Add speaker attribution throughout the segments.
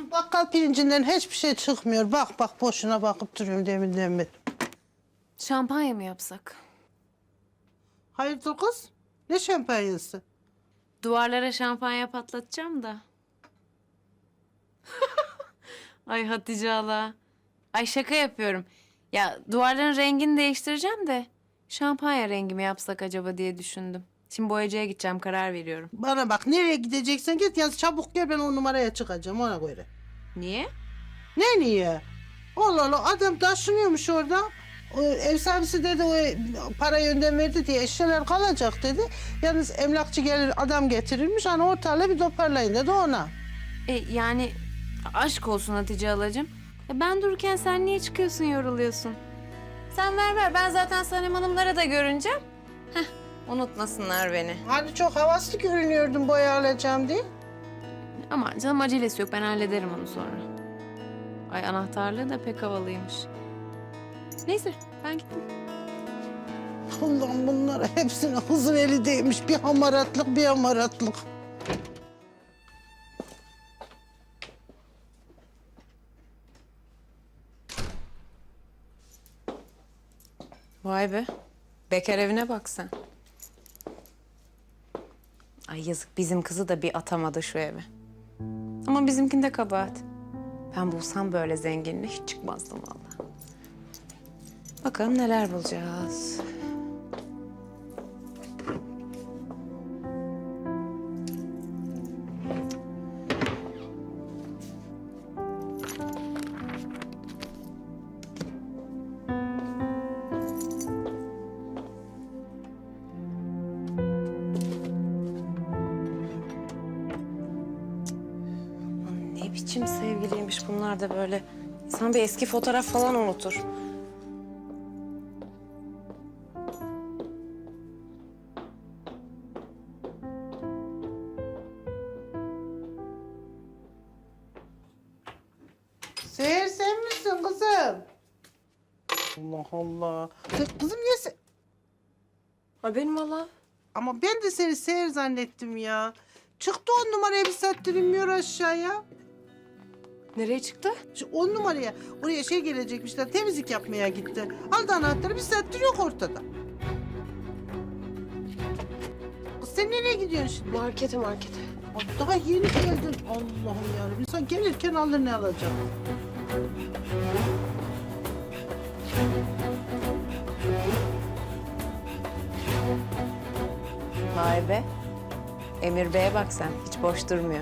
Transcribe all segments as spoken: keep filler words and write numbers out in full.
Speaker 1: Şu bakkal pirincinden hiçbir şey çıkmıyor. Bak bak boşuna bakıp duruyorum deminden beri.
Speaker 2: Şampanya mı yapsak?
Speaker 1: Hayırdır kız? Ne şampanyası?
Speaker 2: Duvarlara şampanya patlatacağım da. Ay Hatice hala. Ay şaka yapıyorum. Ya duvarların rengini değiştireceğim de şampanya rengi mi yapsak acaba diye düşündüm. Şimdi boyacıya gideceğim, karar veriyorum.
Speaker 1: Bana bak, nereye gideceksen git, yalnız çabuk gel, ben o numaraya çıkacağım ona göre.
Speaker 2: Niye?
Speaker 1: Ne niye? Allah Allah, adam taşınıyormuş orada. O ev sahibisi dedi o parayı önden verdi diye eşyalar kalacak dedi. Yalnız emlakçı gelir adam getirirmiş, hani ortalığı bir toparlayın dedi ona.
Speaker 2: E yani aşk olsun Hatice halacığım. E, ben dururken sen niye çıkıyorsun, yoruluyorsun? Sen ver ver, ben zaten Sanem Hanımlara da görüneceğim. Heh, unutmasınlar beni.
Speaker 1: Hani çok havaslı görünüyordun boya alacağım diye.
Speaker 2: Aman canım, acelesi yok, ben hallederim onu sonra. Ay anahtarlığı da pek havalıymış. Neyse ben gittim.
Speaker 1: Allah'ım, bunlar hepsine hızır eli değmiş. Bir hamaratlık bir hamaratlık.
Speaker 2: Vay be. Bekar evine bak sen. Ay yazık, bizim kızı da bir atamadı şu eve. Ama bizimkinde kabahat. Ben bulsam böyle zenginle hiç çıkmazdım vallahi. Bakalım neler bulacağız. Ne biçim sevgiliymiş bunlar da böyle. İnsan bir eski fotoğraf falan unutur.
Speaker 1: Seher, sen misin kızım? Allah Allah. Sen, kızım niye sen...
Speaker 2: Ha benim valla.
Speaker 1: Ama ben de seni Seher zannettim ya. Çıktı on numaraya, bir saattir inmiyor aşağıya.
Speaker 2: Nereye çıktı?
Speaker 1: Şu on numaraya, oraya şey gelecekmişler, temizlik yapmaya gitti. Aldı anahtarı, bir saattir yok ortada. Kız sen nereye gidiyorsun şimdi?
Speaker 2: Markete markete.
Speaker 1: Ay, daha yeni geldin. Allah'ım yarabbim. İnsan gelirken alır ne alacak?
Speaker 2: Vay be. Emir Bey'e bak sen. Hiç boş durmuyor.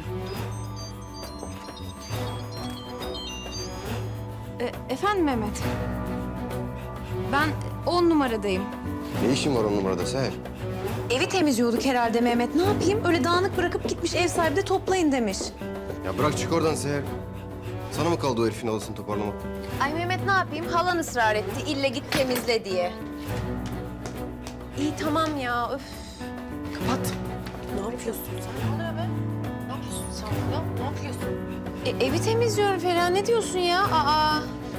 Speaker 2: E, efendim Mehmet. Ben on numaradayım.
Speaker 3: Ne işin var on numarada Seher?
Speaker 2: Evi temizliyorduk herhalde Mehmet. Ne yapayım? Öyle dağınık bırakıp gitmiş, ev sahibi de toplayın demiş.
Speaker 3: Ya bırak çık oradan Seher. Sana mı kaldı o herifin halısını toparlamak?
Speaker 2: Ay Mehmet ne yapayım? Halan ısrar etti. İlle git temizle diye. İyi tamam ya. Öf.
Speaker 1: Kapat.
Speaker 2: Ne yapıyorsun sen? Ne oluyor be? Ne yapıyorsun sen ya? Ne yapıyorsun? E, evi temizliyorum Feriha. Ne diyorsun ya? Aa.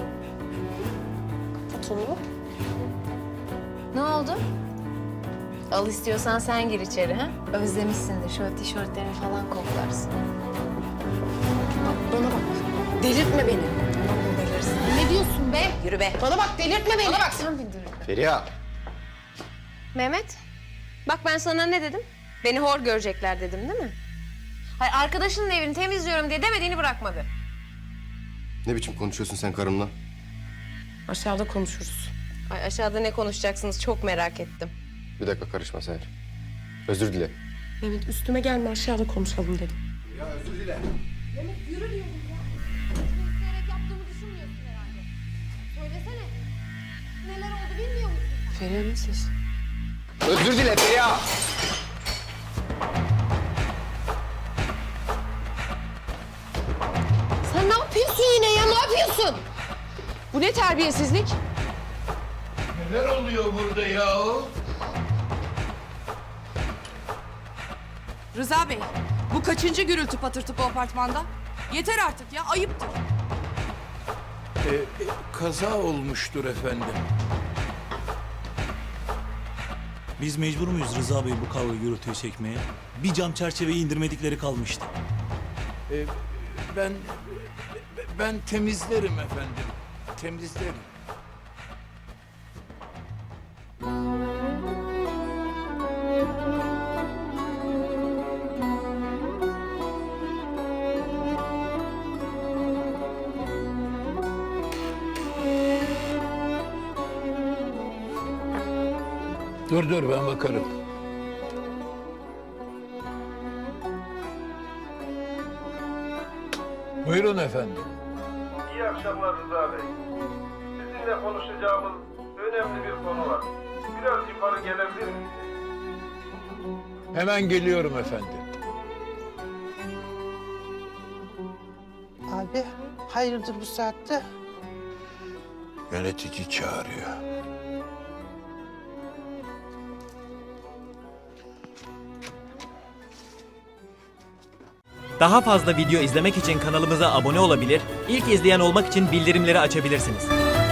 Speaker 2: Kapat onu. Ne oldu? Al istiyorsan sen gir içeri ha. Özlemişsindir. Şöyle tişörtlerini falan koklarsın. Bak bana bak. Delirtme beni. Tamam mı delirsin? Ne diyorsun be? Yürü be. Bana bak, delirtme beni. Bana bak. Sen beni delirtme.
Speaker 3: Feriha!
Speaker 2: Mehmet, bak ben sana ne dedim? Beni hor görecekler dedim değil mi? Hayır, arkadaşının evini temizliyorum diye demediğini bırakmadı.
Speaker 3: Ne biçim konuşuyorsun sen karımla?
Speaker 2: Aşağıda konuşuruz. Ay aşağıda ne konuşacaksınız çok merak ettim.
Speaker 3: Bir dakika karışma Seher. Özür dile.
Speaker 4: Mehmet üstüme gelme, aşağıda konuşalım dedim.
Speaker 3: Ya özür dile.
Speaker 5: İsteyerek yaptığımı düşünmüyorsun herhalde. Söylesene. Neler oldu bilmiyor musun?
Speaker 4: Feriha'nın sesi.
Speaker 3: Özür dile Feriha!
Speaker 4: Sen ne yapıyorsun yine ya, ne yapıyorsun? Bu ne terbiyesizlik?
Speaker 6: Neler oluyor burada ya?
Speaker 7: Rıza Bey, bu kaçıncı gürültü patırtı bu apartmanda? Yeter artık ya, ayıptır.
Speaker 6: Ee, e, kaza olmuştur efendim.
Speaker 8: Biz mecbur muyuz Rıza Bey bu kavga gürültüyü çekmeye? Bir cam çerçeveyi indirmedikleri kalmıştı.
Speaker 6: Ee, Ben ben temizlerim efendim. Temizlerim. Dur dur ben bakarım. Buyurun efendim.
Speaker 9: İyi akşamlar Rıza Bey. Sizinle konuşacağımız önemli bir konu var. Biraz yukarı gelebilir misiniz?
Speaker 6: Hemen geliyorum efendim.
Speaker 1: Abi hayırdır bu saatte?
Speaker 6: Yönetici çağırıyor.
Speaker 10: Daha fazla video izlemek için kanalımıza abone olabilir, ilk izleyen olmak için bildirimleri açabilirsiniz.